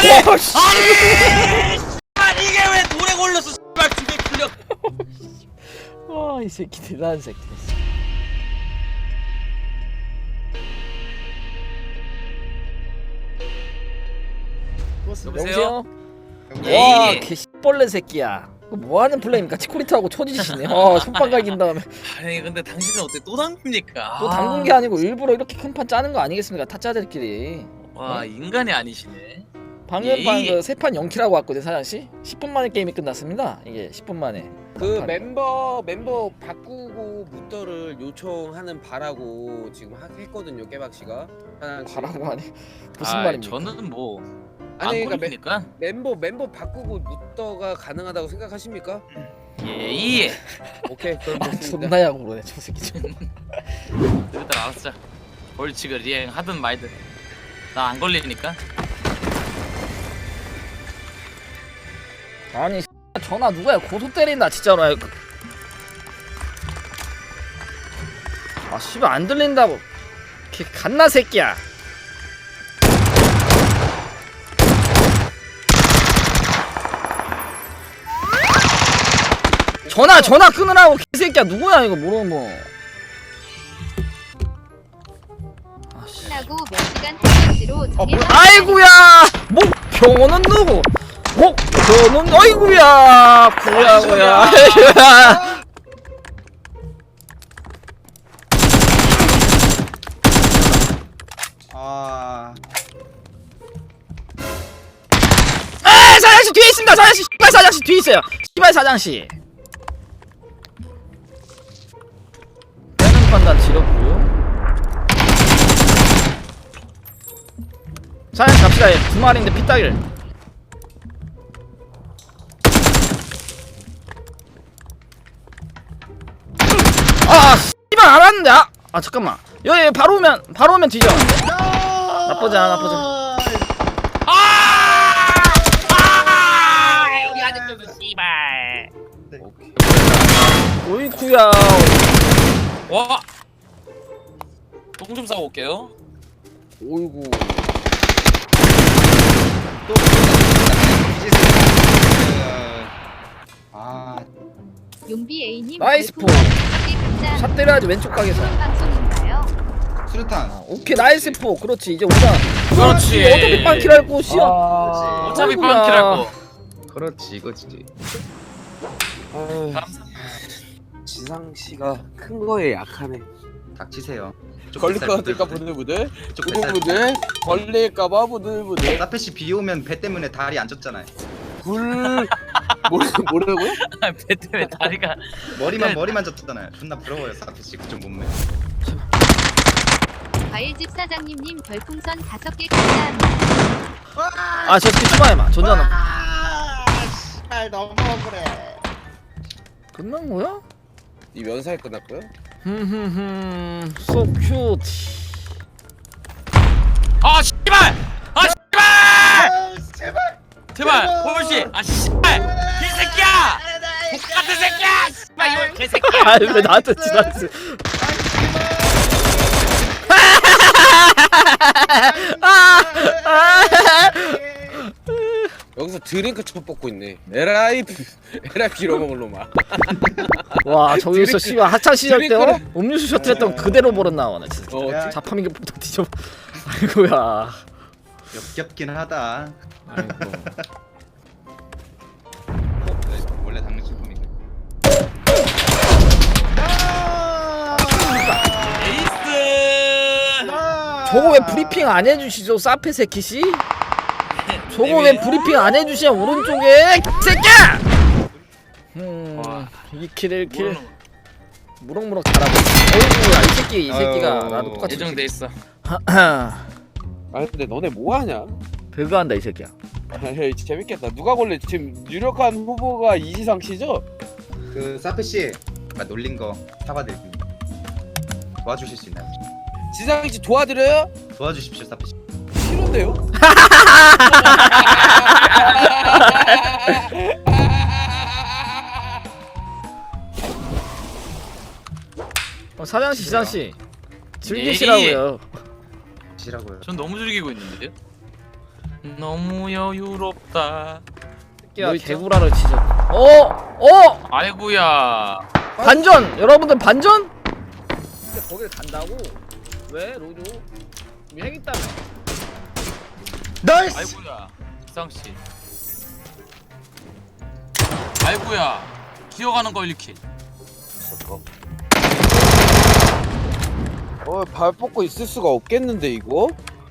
아니 이게 왜 돌에 걸렸어? 씨발 두개 풀려. 와, 이 새끼 대단한 새끼. 여보세요? 와, 개씨벌레 새끼야. 뭐하는 플레이입니까? 치코리타하고 초지시네. 손빵 갈긴 다음에 아니 근데 당신은 어떻게 또 당깁니까? 또 담근 게 아니고 일부러 이렇게 큰 판 짜는 거 아니겠습니까? 타짜들끼리. 와 인간이 아니시네. 방금 판 예의. 그 세 판 0킬하고 왔거든 사장씨. 10분 만에 게임이 끝났습니다. 이게 10분 만에. 그 판. 멤버 바꾸고 무더를 요청하는 바라고 지금 했거든요. 깨박씨가 하나씩. 바라고 하니 무슨 아, 말입니까? 저는 뭐 아니 안 그러니까 걸리니까. 멤버 바꾸고 무더가 가능하다고 생각하십니까? 예예. 오케이 그럼 아, 됐습니다. 존나 야구로네 저 새끼 좀. 일단 알았어. 벌칙을 리행 하든 말든 나 안 걸리니까. 아니 전화 누가야? 고소 때린다 진짜로. 아 씨발 안 들린다고. 개 갓나 새끼야. 전화 끊으라고 개새끼야. 누구야 이거 모르면. 아씨. 끝나고 몇 시간 한정지로 정해서 아이구야. 목표는 누구? 목표는 어이구야. 구야구야. 아, 아 사장씨 뒤에 있습니다. 사장씨 씨발 사장씨 뒤에 있어요. 씨발 사장씨. 빼는 판단 지렸고요. 사장씨 갑시다. 얘 두 마리인데 피따길. 아 씨발 알았는데. 아 잠깐만. 여기 바로 오면 뒤져. 나쁘지 않아 나쁘지 않아. 여기 아직도 씨발. 오이쿠야. 와. 똥 좀 싸고 올게요. 오이구. 또 아, 용비 A님 나이스 포. 샷 때려야지 왼쪽 각에서. 방송인가요? 수류탄. 오케이 나이스 포. 그렇지 이제 오자. 그렇지. 어차피 빵킬할 곳이야. 어차피 아이고야. 빵킬 할 거. 그렇지, 이거지. 아유, 지상 씨가 큰 거에 약하네. 닥치세요. 걸릴 것 같을까 부들부들. 부들부들. 걸릴까봐 부들부들. 사페시 비 오면 배 때문에 다리 안 쪘잖아요. 뭐라고요? 배 때문에 다리가. 머리만 쪘잖아요. 존나 부러워요, 사페시 그좀 몸매. 과일집 사장님님 별풍선 5개 감사합니다. 아 저 새끼 추마해봐. 전자는 잘 너무 그래. 끝난 거야? 이 면사에 끝났고요. so cute. 아 씨발. 아 씨발. 제발. 제발 호불 씨. 아 씨발. 개새끼야. 똑같은 새끼야. 씨발 이거 개새끼야. 아왜 나한테 지났어? 여기서 드링크 쳐 뽑고 있네. 에라이 이러는 걸로 막. 와 저기서 씨발 하창 시절 때 드링크를- 음료수 셔틀했던 그대로 버릇 나오네 진짜. 자파민교 폭탄 뒤져. 아이고야. 역겹긴 하다. 아이고. 원래 당신 품이고. 에이스. 저거 왜 브리핑 안 해주시죠 사페 새끼씨? 저거 왜 브리핑 안 해주시냐 오른쪽에 새끼야! 와. 2킬 1킬 모르는 무럭무럭 잘하고. 어이구야 이 새끼 이 새끼가 아유, 나도 똑같이 예정돼 있어. 아니 근데 너네 뭐 하냐? 배그한다 이 새끼야. 에이 재밌겠다. 누가 걸래? 지금 유력한 후보가 이지상 씨죠? 그 사페시 놀린 거 사과드립니다. 도와주실 수 있나요? 지상 씨 도와드려요? 도와주십시오, 사페시. 싫은데요? 사장씨 지상씨 즐기시라고요. 시라고요. 전 너무 즐기고 있는데요. 너무 여유롭다. 야 뭐 있죠? 개구라를 치죠. 어 아이고야. 반전 여러분들 반전? 근데 거길 간다고? 왜 로조? 핵 있다며. 나이스. 아이고야. 기상 씨. 아이고야. 기어가는 거 1킬. 발 뻗고 있을 수가 없겠는데 이거?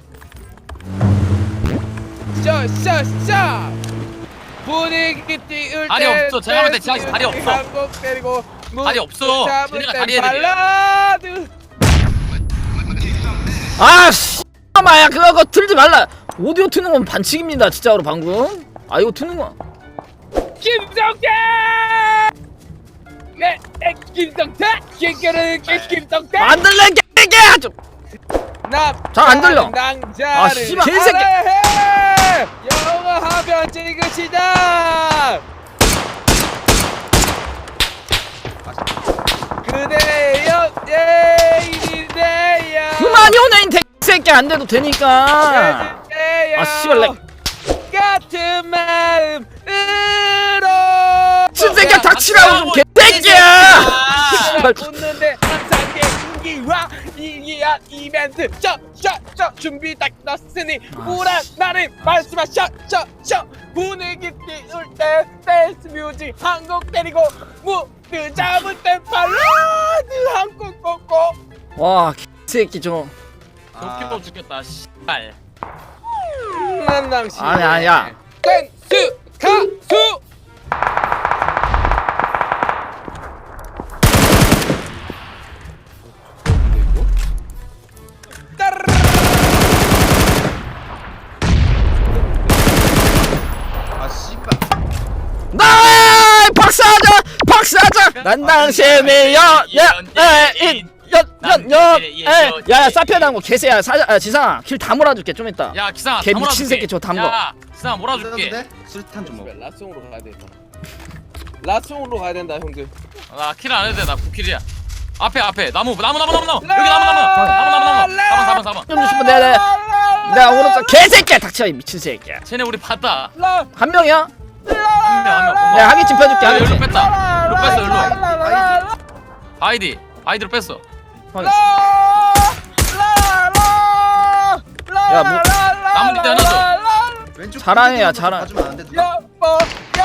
샤 분위기 띄울 때 다리 없어. 제가 볼때 지하씨 다리 없어. 한국 때리고 다리 없어. 쟤네가 다리 해야 돼. 발라드 아씨 마야 그거 틀지 말라. 오디오 트는 건 반칙입니다 진짜로 방금. 아 이거 트는 거. 김성태 김성태 김성태 안 들려 개개야 좀. 잘안 들려. 아, 씨발, 개새끼. 영어 하면 찍으시다 그대여 예인이세요 그만이 오네 이 새끼 안 돼도 되니까. 아 씨발 렉. 같은 마음으로 진새끼야 닥치라고 좀 개새끼야. 씨발. 웃는데 항상 개인기와 이기한 이벤트 셔셔셔 준비 딱 났으니 우란 나를 말씀하셔 셔셔 분위기 띄울 때 댄스 뮤직 한곡 때리고 무드 잡을 때 발라드 한곡 꽂고 와 개새끼 좀. 도끼도 죽겠다. 씨발. 난 당신 아니야. 댄스 가수 아 씨발. 나 박사자 난 당신의 야야 사피아당 거 개새야 지상아 킬 다 몰아줄게 좀 이따. 야 기상아. 걔 다 미친 몰아줄게. 새끼 저거 담궈. 야 기상아 몰아도 몰아줄게. 돼? 술탄 좀 먹어. 라스용으로 가야 된다 라스용으로 가야 된다 형들 나 킬 안 해도 돼. 나 9킬이야. 앞에 나무 여기 나무 라- 사번 좀 주시면 내가 오른쪽 개새끼야 닥쳐 이 미친 새끼야. 쟤네 우리 봤다. 한 명이야? 한명 내가 하기침 펴줄게 일로 하기침. 뺐다. 일로 뺐어 일로. 아이디로 뺐어. 야, 뭐- 나무 밑에 하나 더. 왼쪽 잘하네, 야, 끝에 잘하- 가주면 안 돼, 누가? 야빠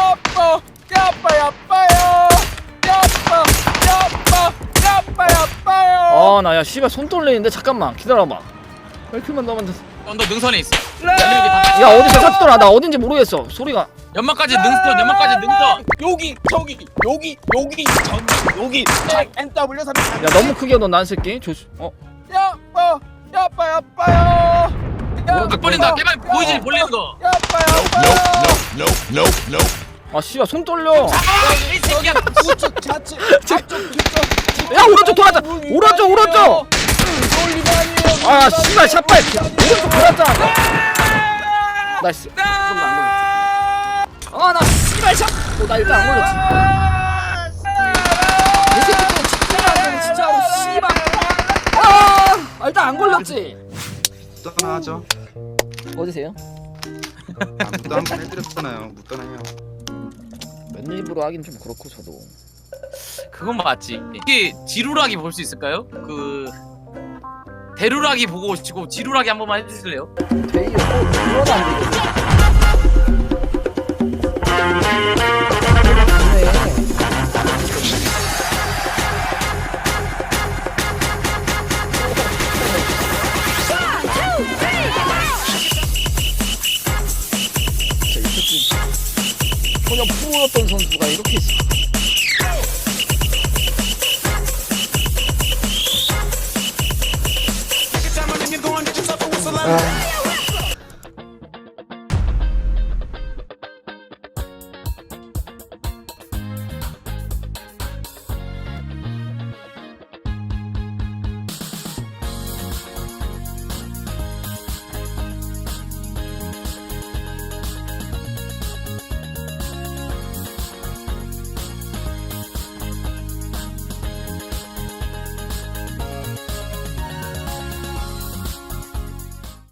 어 나 야 씨발 손 떨리는데 잠깐만 기다려봐. 벨트만 넣으면 돼. 언더 능선에 있어. 야 어디서 샀더라 나 어딘지 모르겠어 소리가. 연막까지 능선. 여기 저기 여기 저기 NW 3 야 너무 크게 넣어 난 새끼 조심. 야빠요 각 벌린다. 개발 보이지 벌리는 거. 아 씨발 손 떨려. 이 새끼야. 우측 좌측 앞쪽 뒤쪽 야 오른쪽 돌았다. 오른쪽. 아 씨발 샷발 오른쪽 돌았잖아. 나이스. 아나 씨발 샷. 나 일단 안 걸렸지. 이 새끼 또 집중을 안 되네 진짜로 씨발. 아 일단 안 걸렸지. 묻던하죠. 어디세요? 묻도 한번 해드렸잖아요. 묻던해요. 맨입으로 하긴 좀 그렇고 저도. 그건 맞지. 이게 지루라기 볼 수 있을까요? 그 대루라기 보고 오시고 지루라기 한 번만 해주실래요? 데이어 그러다 안 되겠지. 전혀 프로였던 선수가 이렇게 있어. 아.